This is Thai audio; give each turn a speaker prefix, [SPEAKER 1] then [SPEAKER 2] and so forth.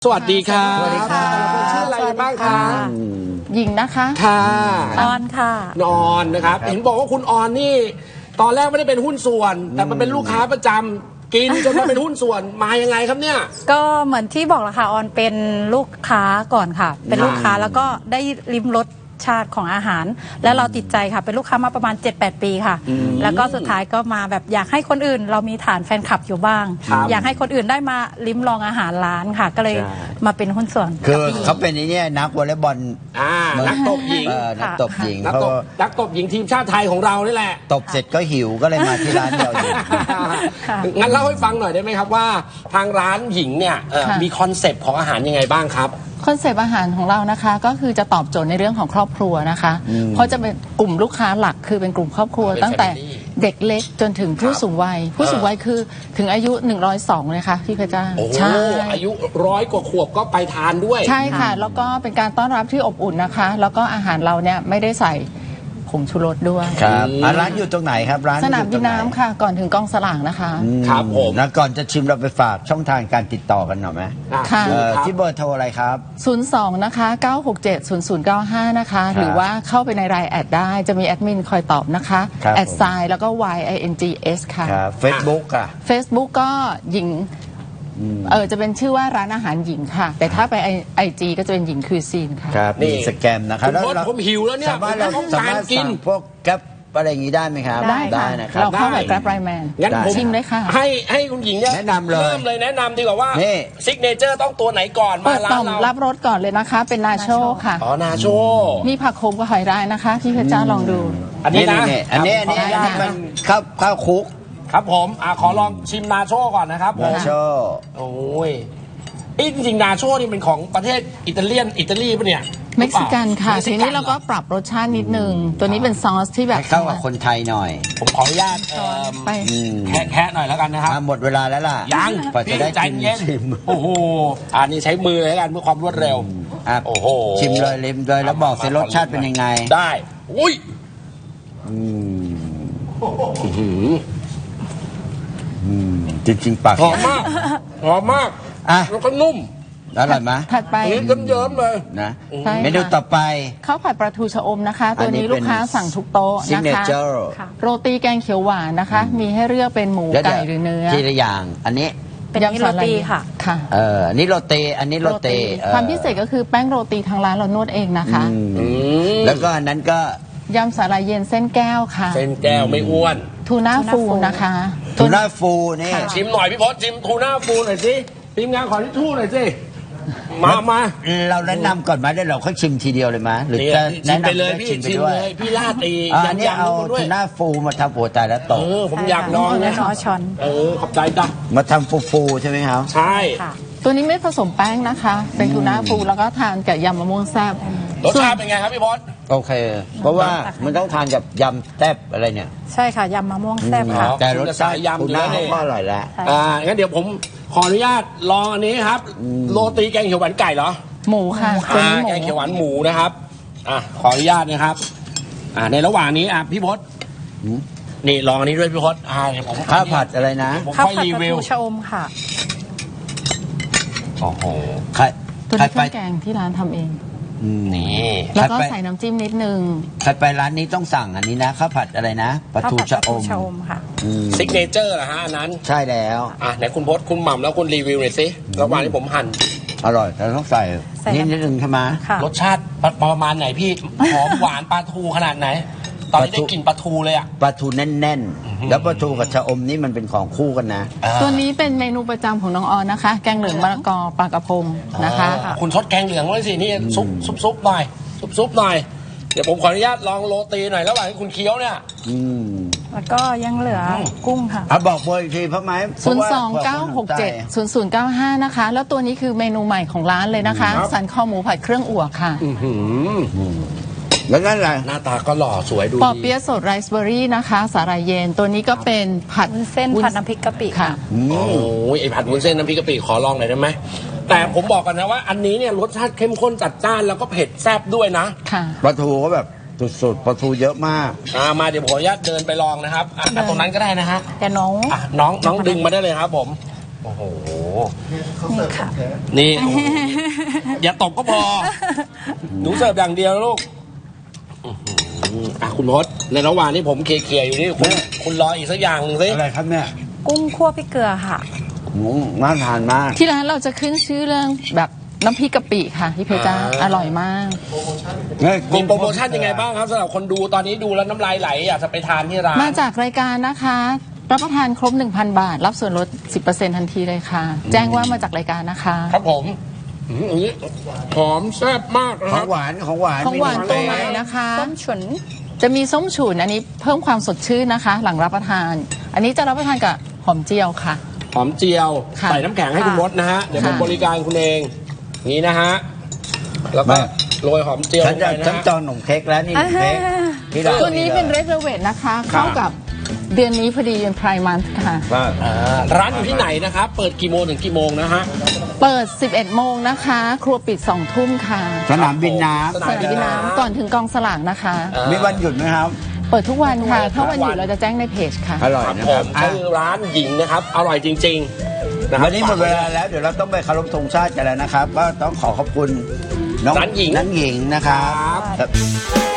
[SPEAKER 1] สวัสดีค่ะสวัสดีค่ะชื่ออะไรบ้างคะ
[SPEAKER 2] หญิงนะคะ
[SPEAKER 1] ค่ะ
[SPEAKER 2] ออนค่ะ
[SPEAKER 1] นอนนะครับเห็นบอกว่าคุณออนนี่ตอนแรกไม่ได้เป็นหุ้นส่วนแต่มันเป็นลูกค้าประจำกินจนมาเป็นหุ้นส่วนมายังไงครับเนี่ย
[SPEAKER 2] ก็เหมือนที่บอกแหละค่ะออนเป็นลูกค้าก่อนค่ะเป็นลูกค้าแล้วก็ได้ลิ้มรสชาติของอาหารแล้วเราติดใจค่ะเป็นลูกค้ามาประมาณ 7-8 ปีค่ะแล้วก็สุดท้ายก็มาแบบอยากให้คนอื่นเรามีฐานแฟนคลับอยู่บ้างอยากให้คนอื่นได้มาลิ้มลองอาหารร้านค่ะก็เลยมาเป็นหุ้นส่วน
[SPEAKER 3] คือเขาเป็นนี่นักวอลเลย์บอล
[SPEAKER 1] นักตบหญิง
[SPEAKER 3] นักตบหญิง
[SPEAKER 1] นักตบหญิงทีมชาติไทยของเรานี่แหละ
[SPEAKER 3] ตบเสร็จก็หิวก็เลยมาที่ร้านเราอยู่
[SPEAKER 1] งั้นเล่าให้ฟังหน่อยได้ไหมครับว่าทางร้านหญิงเนี่ยมีคอนเซปต์ของอาหารยังไงบ้างครับ
[SPEAKER 2] คอนเซปต์อาหารของเรานะคะก็คือจะตอบโจทย์ในเรื่องของครอบครัวนะคะเพราะจะเป็นกลุ่มลูกค้าหลักคือเป็นกลุ่มครอบครัวตั้งแต่เด็กเล็กจนถึงผู้สูงวัยผู้สูงวัยคือถึงอายุ102เลยค่ะพี่เพชรจ้า
[SPEAKER 1] ใช่อายุ100 กว่าขวบก็ไปทานด้วย
[SPEAKER 2] ใช่ค่ะแล้วก็เป็นการต้อนรับที่อบอุ่นนะคะแล้วก็อาหารเราเนี่ยไม่ได้ใส่ผงชูรสด้วย
[SPEAKER 3] ครับร้านอยู่ตรงไหนครับร้าน
[SPEAKER 2] สนามบินน้ำค่ะก่อนถึงกองสลากนะคะ
[SPEAKER 1] ครับผม
[SPEAKER 3] แล้วก่อนจะชิมเราไปฝากช่องทางการติดต่อกันหน่อยไหม
[SPEAKER 2] ค่ะ
[SPEAKER 3] ที่เบอร์โทรอะไรครับ
[SPEAKER 2] 02นะคะ9670095นะคะหรือว่าเข้าไปในรายแอดได้จะมีแอดมินคอยตอบนะคะแอดไซน์แล้วก็ YINGS ค่ะ
[SPEAKER 3] เฟซบุ๊กอ่ะ
[SPEAKER 2] Facebook ก็หญิงจะเป็นชื่อว่าร้านอาหารหญิงค่ะแต่ถ้าไปIGก็จะเป็นหญิงคือซีนค่ะ
[SPEAKER 3] ครับนี่สแกมนะครับ
[SPEAKER 1] แล้วผมหิวแล้วเนี่ย
[SPEAKER 3] สามารถสั่งพวกแก๊ปอะไรอย่างนี้ได้ไหมครับ
[SPEAKER 2] ได้นะครับเราเข้าแบบ Grab Line Man
[SPEAKER 1] งั้น
[SPEAKER 2] ชิมเลยค่ะ
[SPEAKER 1] ให้คุณหญิงเนี่ย
[SPEAKER 3] แนะนำเลย
[SPEAKER 1] เริ่มเลยแนะนำดีกว่าว่าซิกเนเจอร์ต้องตัวไหนก่อนมาร้านเรา
[SPEAKER 2] รับรสก่อนเลยนะคะเป็นนาโชค่ะ
[SPEAKER 1] อ๋อนาโช
[SPEAKER 2] มีผักโขมกับหอยรายนะคะพี่เพชรจ้าลองดู
[SPEAKER 1] อันนี้นะ
[SPEAKER 3] อันนี้มันข้าวคุก
[SPEAKER 1] ครับผมขอลองชิมนาโชก่อนนะครับ
[SPEAKER 3] นาโช
[SPEAKER 1] โอ้ยจริงๆนาโชนี่เป็นของประเทศอิตาลีปะเนี่ย
[SPEAKER 2] เม็กซิกันค่ะทีนี้เราก็ปรับรสชาตินิดนึงตัวนี้เป็นซอสที่แบบ
[SPEAKER 3] เข้ากับคนไทยหน่อย
[SPEAKER 1] ผมขออนุญาต
[SPEAKER 2] ไป
[SPEAKER 1] แค่หน่อยแล้วกันนะครับ
[SPEAKER 3] หมดเวลาแล้วล่ะ
[SPEAKER 1] ยัง
[SPEAKER 3] จะได้
[SPEAKER 1] ใจเย็นโอ้โหอันนี้ใช้มือแล้วกันเพื่อความรวดเร็วโอ้โห
[SPEAKER 3] ชิมเลยลิมเลยแล้วบอกสิรสชาติเป็นยังไง
[SPEAKER 1] ได้อุ้ย
[SPEAKER 3] จริงๆปาก
[SPEAKER 1] หอมมากแล้วก็นุ่ม
[SPEAKER 3] อร่อยไหม
[SPEAKER 2] ถัดไป
[SPEAKER 1] เยิ้มๆเลย
[SPEAKER 3] นะเมนูต่อไป
[SPEAKER 2] ข้าวผัดปลาทูชะอมนะคะตัวนี้ลูกค้าสั่งทุกโต๊ะนะคะโรตีแกงเขียวหวานนะคะมีให้เลือกเป็นหมูไก่หรือเนื้อ
[SPEAKER 3] ทีละอย่างอันนี้
[SPEAKER 2] เป็นโรตีค่ะ
[SPEAKER 3] อันนี้โรตีอันนี้โรตี
[SPEAKER 2] ความพิเศษก็คือแป้งโรตีทางร้านเรานวดเองนะคะ
[SPEAKER 3] แล้วก็อันนั้นก็
[SPEAKER 2] ยำสาหร่ายเย็นเส้นแก้วค่ะ
[SPEAKER 1] เส้นแก้วไม่อ้วน
[SPEAKER 2] ทูน่าฟูนะคะ
[SPEAKER 3] ทูน่าฟูนี่
[SPEAKER 1] ชิมหน่อยพี่พศชิมทูน่าฟูหน่อยสิทีมงานขอทิชชู่หน่อยสิมา
[SPEAKER 3] เราแนะนำก่อนไหมได้เราค่อยชิมทีเดียวเลยไหมหรือจะแนะนำ
[SPEAKER 1] ไปเลยพี่ชิมเลยพี่ลาด
[SPEAKER 3] อันนี้เอาทูน่าฟูมาทำหัวใจแล้วตก
[SPEAKER 1] ผมอยากลองนะ
[SPEAKER 2] ช้อน
[SPEAKER 1] ขอบใจจ้ะ
[SPEAKER 3] มาทำฟูใช่ไหมครับ
[SPEAKER 1] ใช่
[SPEAKER 2] ตัวนี้ไม่ผสมแป้งนะคะเป็นทูน่าฟูแล้วก็ทานกับยำมะม่วงแซ่บ
[SPEAKER 1] รสชาติเป็นไงครับพี่พศ
[SPEAKER 3] โอเคเพราะว่ามันต้องทานกับยำแซ่บอะไรเนี่ย
[SPEAKER 2] ใช่ค่ะยำมะม่วงแซ่บค่ะ
[SPEAKER 3] แต่รสชาติทูน่าก็อร่อยแล้ว
[SPEAKER 1] งั้นเดี๋ยวผมขออนุญาตลองอันนี้ครับโรตีแกงเขียวหวานไก่เหรอ
[SPEAKER 2] หมูค่ะ
[SPEAKER 1] แกงเขียวหวานหมูนะครับขออนุญาตนะครับในระหว่างนี้พี่พศนี่ลองอันนี้ด้วยพี่พศ
[SPEAKER 3] ข้าวผัดอะไรนะ
[SPEAKER 2] ข้าวผัดปลาทูชะอมค่ะ
[SPEAKER 1] โอ้โห
[SPEAKER 2] ตัวนี้เครื่องแกงที่ร้านทำเอง
[SPEAKER 1] นี่
[SPEAKER 2] แล้วก็ใส่น้ำจิ้มนิดนึง
[SPEAKER 3] ใครไปร้านนี้ต้องสั่งอันนี้นะข้าวผัดอะไรนะปลาทูชะอม
[SPEAKER 2] ค่ะ
[SPEAKER 1] ซิกเนเจอร์เหรอฮะอันนั้น
[SPEAKER 3] ใช่แล้ว
[SPEAKER 1] ไหนคุณพศคุณหม่ำแล้วคุณรีวิวหน่อยสิระหว่างที่ผมหั่น
[SPEAKER 3] อร่อยแต่ต้องใส่นิดนึงใช่ไหม
[SPEAKER 1] รสชาติประมาณไหนพี่หอมหวานปลาทูขนาดไหนตอนนี้ได้กลิ่นปลาทูเลยอ่ะ
[SPEAKER 3] ปลาทูแน่นๆแล้วปลาทูกับชะอมนี่มันเป็นของคู่กันนะ
[SPEAKER 2] ตัวนี้เป็นเมนูประจำของน้องออนนะคะแกงเหลืองมะละกอปลากระพงนะคะ
[SPEAKER 1] คุณชดแกงเหลืองไว้สินี่ซุปหน่อยซุปหน่อยเดี๋ยวผมขออนุญาตลองโรตีหน่อยระหว่างที่คุณเคี้ยวเนี่ย
[SPEAKER 2] แล้วก็ยังเหลือกุ้งค่ะ
[SPEAKER 3] บอกเบอร์อีกทีเพราะไหม
[SPEAKER 2] 029670095นะคะแล้วตัวนี้คือเมนูใหม่ของร้านเลยนะคะสันคอหมูผัดเครื่องอั่วค่ะ
[SPEAKER 3] แล้วนั่นแหละ
[SPEAKER 1] หน้าตาก็หล่อสวยดู
[SPEAKER 2] ปอเปี๊ยะสดไรซ์เบอร์รี่นะคะสาหร่ายเย็นตัวนี้ก็เป็นผัดเส้นผัดน้ำพริกกะปิค่ะ
[SPEAKER 1] โอ้ยไอผัดวุ้นเส้นน้ำพริกกะปิขอลองหน่อยได้ไหมแต่ผมบอกกันนะว่าอันนี้เนี่ยรสชาติเข้มข้นจัดจ้านแล้วก็เผ็ดแซ่บด้วยนะ
[SPEAKER 2] ค่ะ
[SPEAKER 3] ปลาทูก็แบบสุดๆปลาทูเยอะมาก
[SPEAKER 1] มาเดี๋ยวผมขออนุญาตเดินไปลองนะครับตรงนั้นก็ได้นะฮะ
[SPEAKER 2] แต่น้อง
[SPEAKER 1] ดึงมาได้เลยครับผมโอ้โห
[SPEAKER 2] นี่ค่ะ
[SPEAKER 1] นี่โอ้โหอย่าตบก็พอ หนูเสิร์ฟอย่างเดียวลูกอื้อหืออ่ะคุณพศในระหว่างที่ผมเคลียร์อยู่นี่คุณรออีกสักอย่างหนึ่งสิ
[SPEAKER 3] อะไรครับเนี่ย
[SPEAKER 2] กุ้งคั่วพริกเกลือค่ะ
[SPEAKER 3] น่าทานมาก
[SPEAKER 4] ที่ร้านเราจะขึ้นชื่อเรื่องแบบน้ำพริกกะปิค่ะพี่เพชรจ้าอร่อยมาก
[SPEAKER 1] มีโปรโมชั่นยังไงบ้างครับสำหรับคนดูตอนนี้ดูแล้วน้ำลายไหลอยากจะไปทานที่ร้าน
[SPEAKER 4] มาจากรายการนะคะ รับประทานครบ 1,000 บาท รับส่วนลด 10%ทันทีเลยค่ะ แจ้งว่ามาจากรายการนะคะ
[SPEAKER 1] ครับผมอันนี้หอมแซ่บมากนะ
[SPEAKER 3] ข
[SPEAKER 1] ค
[SPEAKER 3] อ
[SPEAKER 1] รั
[SPEAKER 3] ง
[SPEAKER 1] บ
[SPEAKER 3] หวานของหวาน
[SPEAKER 4] ของหวาน
[SPEAKER 3] มี
[SPEAKER 4] ตัว
[SPEAKER 3] นม
[SPEAKER 4] ใหม่
[SPEAKER 3] เปรี้ยว
[SPEAKER 4] นะคะ
[SPEAKER 2] ส้มฉุน
[SPEAKER 4] จะมีส้มฉุนอันนี้เพิ่มความสดชื่นนะคะ หลังรับประทาน อันนี้จะรับประทานกับหอมเจียวค่ะ
[SPEAKER 1] หอมเจียว
[SPEAKER 4] ค่ะ
[SPEAKER 1] ใส่น้ำแข็งให้คุณมดนะฮะ เดี๋ยวผม
[SPEAKER 4] ค่ะ
[SPEAKER 1] บริการคุณเองนี่นะฮะ แล้วก็โรยหอมเจียว
[SPEAKER 3] ฉั
[SPEAKER 1] ล
[SPEAKER 3] น
[SPEAKER 1] ง
[SPEAKER 3] จะ
[SPEAKER 1] ไปนะ
[SPEAKER 3] ฉัน
[SPEAKER 1] ฮะ
[SPEAKER 3] จองขนมเค้กแล้วนี่ขนมเค้กที่เรา
[SPEAKER 4] ตัวนี้เป็นเร g เ l เวทนะคะ เข้ากับเดือนนี้พอดีเป็นไพร์มันค่ะ
[SPEAKER 1] ร้านอยู่ที่ไหนนะครับ เปิดกี่โมงถึงกี่โมงนะฮะ
[SPEAKER 4] เปิด 11 โมงนะคะ ครัวปิด 2 ทุ่มค่ะ
[SPEAKER 3] สนามบินน้
[SPEAKER 1] ส
[SPEAKER 4] ส
[SPEAKER 1] นาม
[SPEAKER 4] นาม
[SPEAKER 1] บิ
[SPEAKER 4] บิ
[SPEAKER 1] น
[SPEAKER 4] น
[SPEAKER 1] น้ำ
[SPEAKER 4] น้ำก่อนถึงกองสลากนะคะ
[SPEAKER 3] ำมีวันหยุดไหมครับ
[SPEAKER 4] เปิดทุกวันค่ะ ถ้าวันหยุดเราจะแจ้งในเพจค่ะ
[SPEAKER 3] อร่อย
[SPEAKER 1] ครับ
[SPEAKER 3] นะ
[SPEAKER 1] ผ
[SPEAKER 3] ครับ
[SPEAKER 1] ม
[SPEAKER 3] อ่ะ
[SPEAKER 1] ชื่อร้านหญิงนะครับ อร่อยจริงๆนะครับ
[SPEAKER 3] วันนี้หมดเวลาแล้วเดี๋ยวเราต้องไปเคารพธงชาติกันแล้วนะครับ ก็ต้องขอขอบคุณน้อง
[SPEAKER 1] ร้านหญิง
[SPEAKER 3] นันหญิงนะครับ
[SPEAKER 1] ครับ